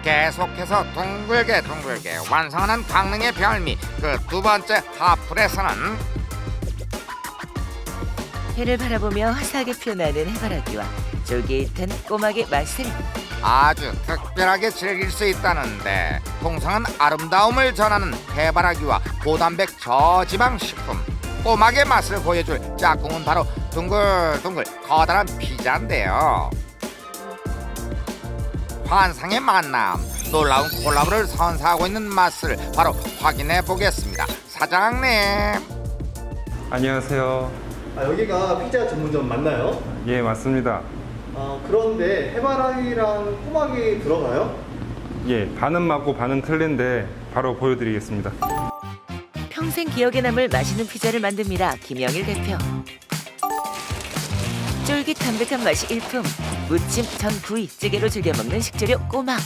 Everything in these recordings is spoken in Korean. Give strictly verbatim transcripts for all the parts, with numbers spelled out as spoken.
계속해서 둥글게 둥글게 완성하는 강릉의 별미. 그 두 번째 하풀에서는 해를 바라보며 화사하게 피어나는 해바라기와 쫄깃한 꼬막의 맛을 아주 특별하게 즐길 수 있다는데, 통상은 아름다움을 전하는 해바라기와 고단백 저지방 식품 꼬막의 맛을 보여줄 짝꿍은 바로 둥글둥글 커다란 피자인데요. 환상의 만남, 놀라운 콜라보를 선사하고 있는 맛을 바로 확인해 보겠습니다. 사장님. 안녕하세요. 아, 여기가 피자 전문점 맞나요? 예, 맞습니다. 아, 그런데 해바라기랑 꼬막이 들어가요? 예, 반은 맞고 반은 틀린데 바로 보여드리겠습니다. 평생 기억에 남을 맛있는 피자를 만듭니다. 김영일 대표. 쫄깃 담백한 맛이 일품, 무침, 전, 구이, 찌개로 즐겨 먹는 식재료 꼬막.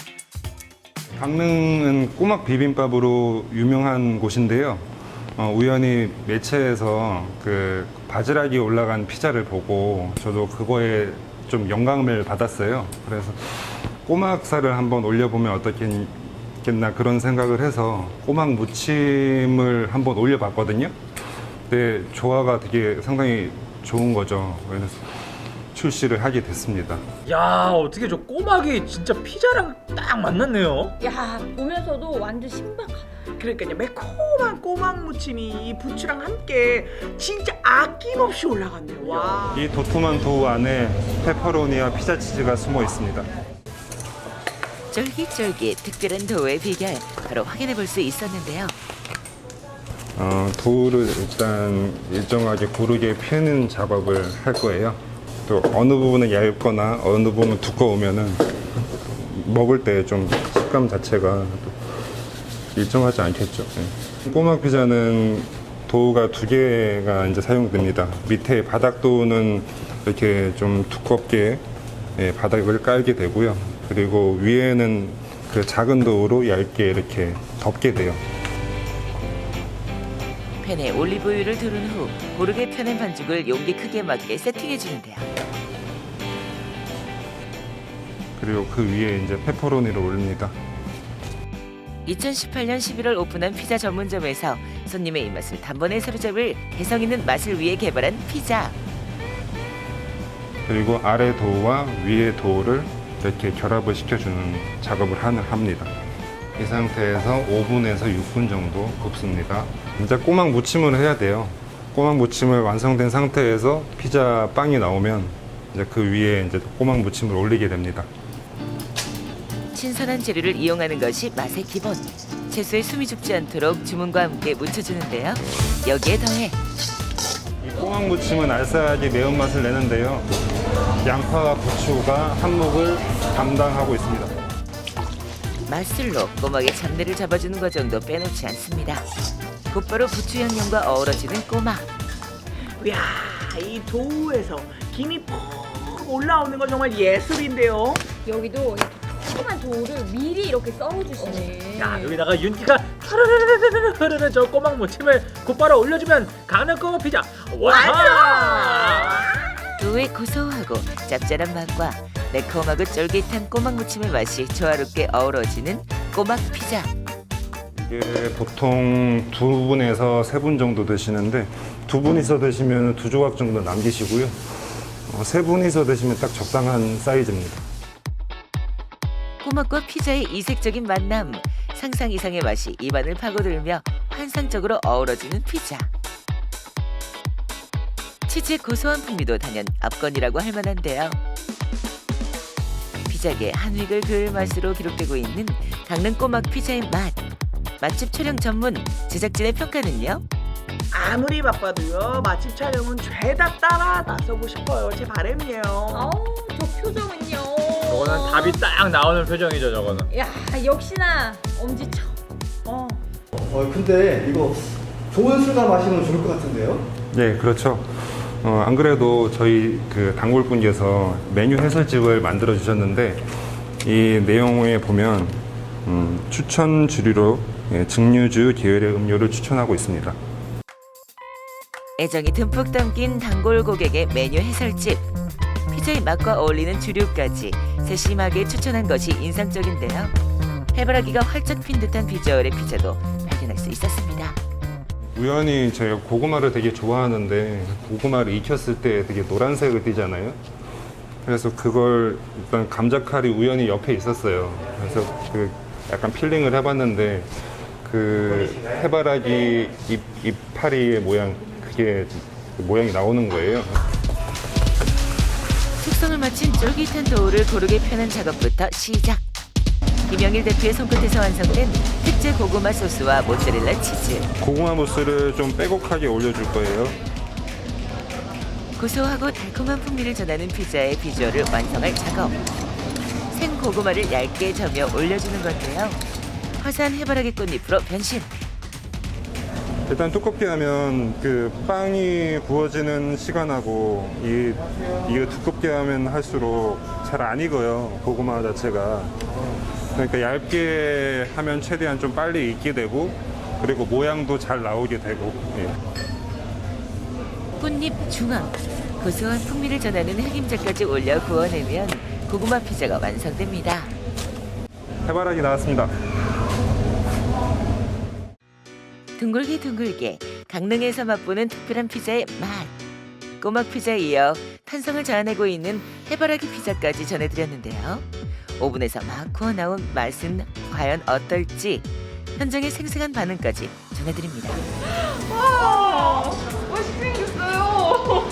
강릉은 꼬막 비빔밥으로 유명한 곳인데요. 어, 우연히 매체에서 그 바지락이 올라간 피자를 보고 저도 그거에 좀 영감을 받았어요. 그래서 꼬막살을 한번 올려보면 어떻겠나 그런 생각을 해서 꼬막 무침을 한번 올려봤거든요. 근데 조화가 되게 상당히 좋은 거죠. 그래서 출시를 하게 됐습니다. 야, 어떻게 저 꼬막이 진짜 피자랑 딱 만났네요. 야, 보면서도 완전 신박하다. 그러니까요, 매콤한 꼬막 무침이 이 부추랑 함께 진짜 아낌없이 올라갔네요. 와. 이 도톰한 도우 안에 페퍼로니와 피자 치즈가 숨어 있습니다. 쫄깃쫄깃 특별한 도우의 비결 바로 확인해 볼 수 있었는데요. 어, 도우를 일단 일정하게 고르게 펴는 작업을 할 거예요. 또 어느 부분은 얇거나 어느 부분은 두꺼우면은 먹을 때 좀 식감 자체가 일정하지 않겠죠. 예. 꼬막 피자는 도우가 두 개가 이제 사용됩니다. 밑에 바닥 도우는 이렇게 좀 두껍게 예, 바닥을 깔게 되고요. 그리고 위에는 그 작은 도우로 얇게 이렇게 덮게 돼요. 팬에 올리브유를 두른 후 고르게 펴낸 반죽을 용기 크기에 맞게 세팅해 주는데요. 그리고 그 위에 이제 페퍼로니를 올립니다. 이천십팔 년 십일월 오픈한 피자 전문점에서 손님의 입맛을 단번에 사로잡을 개성 있는 맛을 위해 개발한 피자. 그리고 아래 도우와 위에 도우를 이렇게 결합을 시켜주는 작업을 하는, 합니다. 이 상태에서 오 분에서 육 분 정도 굽습니다. 이제 꼬막 무침을 해야 돼요. 꼬막 무침을 완성된 상태에서 피자 빵이 나오면 이제 그 위에 이제 꼬막 무침을 올리게 됩니다. 신선한 재료를 이용하는 것이 맛의 기본. 채소에 숨이 죽지 않도록 주문과 함께 묻혀주는데요. 여기에 더해 이 꼬막 무침은 알싸하게 매운맛을 내는데요. 양파와 부추가 한몫을 담당하고 있습니다. 맛술로 꼬막의 잡내를 잡아주는 과정도 빼놓지 않습니다. 곧바로 부추 양념과 어우러지는 꼬막. 이야, 이 도우에서 김이 퍽 올라오는 건 정말 예술인데요. 여기도 이 조그만 도우를 미리 이렇게 썰어주시네. 야, 여기다가 윤기가 흐르르르르르 흐르는 저 꼬막 무침을 곧바로 올려주면 강릉 꼬막 피자 완성! 도우의 고소하고 짭짤한 맛과 매콤하고 쫄깃한 꼬막 무침의 맛이 조화롭게 어우러지는 꼬막 피자. 이게 보통 두 분에서 세 분 정도 드시는데 두 분이서 드시면 두 조각 정도 남기시고요. 어, 세 분이서 드시면 딱 적당한 사이즈입니다. 꼬막과 피자의 이색적인 만남, 상상 이상의 맛이 입안을 파고들며 환상적으로 어우러지는 피자. 치즈의 고소한 풍미도 단연 압권이라고 할 만한데요. 피자계 한 획을 그을 맛으로 기록되고 있는 강릉 꼬막 피자의 맛. 맛집 촬영 전문 제작진의 평가는요? 아무리 바빠도요, 맛집 촬영은 죄다 따라 나서고 싶어요. 제 바람이에요. 아우, 저 표정은요. 저거는 답이 딱 나오는 표정이죠, 저거는. 야, 역시나 엄지척. 어. 어, 근데 이거 좋은 술과 마시면 좋을 것 같은데요? 네, 그렇죠. 어, 안 그래도 저희 그 단골분께서 메뉴 해설집을 만들어 주셨는데 이 내용에 보면 음, 추천 주류로 예, 증류주 계열의 음료를 추천하고 있습니다. 애정이 듬뿍 담긴 단골 고객의 메뉴 해설집. 피자의 맛과 어울리는 주류까지 세심하게 추천한 것이 인상적인데요. 해바라기가 활짝 핀 듯한 비주얼의 피자도 발견할 수 있었습니다. 우연히 제가 고구마를 되게 좋아하는데 고구마를 익혔을 때 되게 노란색을 띠잖아요. 그래서 그걸 일단 감자칼이 우연히 옆에 있었어요. 그래서 그 약간 필링을 해봤는데 그 해바라기 잎, 이파리의 모양 그게 그 모양이 나오는 거예요. 숙성을 마친 쫄깃한 도우를 고르게 펴는 작업부터 시작. 김영일 대표의 손끝에서 완성된 특제 고구마 소스와 모짜렐라 치즈. 고구마 무스를 좀 빼곡하게 올려줄 거예요. 고소하고 달콤한 풍미를 전하는 피자의 비주얼을 완성할 작업. 생 고구마를 얇게 저며 올려주는 건데요. 화사한 해바라기 꽃잎으로 변신. 일단 두껍게 하면 그 빵이 구워지는 시간하고 이 이게 두껍게 하면 할수록 잘 안 익어요. 고구마 자체가. 그러니까 얇게 하면 최대한 좀 빨리 익게 되고 그리고 모양도 잘 나오게 되고. 예. 꽃잎 중앙. 고소한 풍미를 전하는 흑임자까지 올려 구워내면 고구마 피자가 완성됩니다. 해바라기 나왔습니다. 둥글게 둥글게 강릉에서 맛보는 특별한 피자의 맛. 꼬막 피자에 이어 탄성을 자아내고 있는 해바라기 피자까지 전해드렸는데요. 오븐에서 막 구워 나온 맛은 과연 어떨지 현장의 생생한 반응까지 전해드립니다. 와, 멋있게 생겼어요.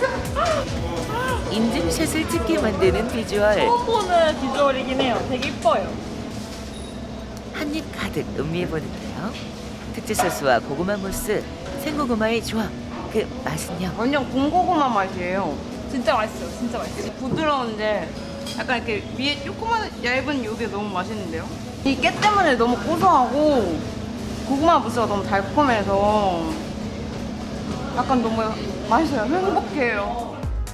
인증샷을 찍게 만드는 비주얼. 처음 보는 비주얼이긴 해요. 되게 이뻐요. 한입 가득 음미해보는데요. 특제 소스와 고구마 무스, 생고구마의 조합. 그 맛은요? 완전 군고구마 맛이에요. 진짜 맛있어요. 진짜 맛있어요. 부드러운데 약간 이렇게 위에 조그만 얇은 요게 너무 맛있는데요? 이 깨 때문에 너무 고소하고 고구마 무스가 너무 달콤해서 약간 너무 맛있어요. 행복해요.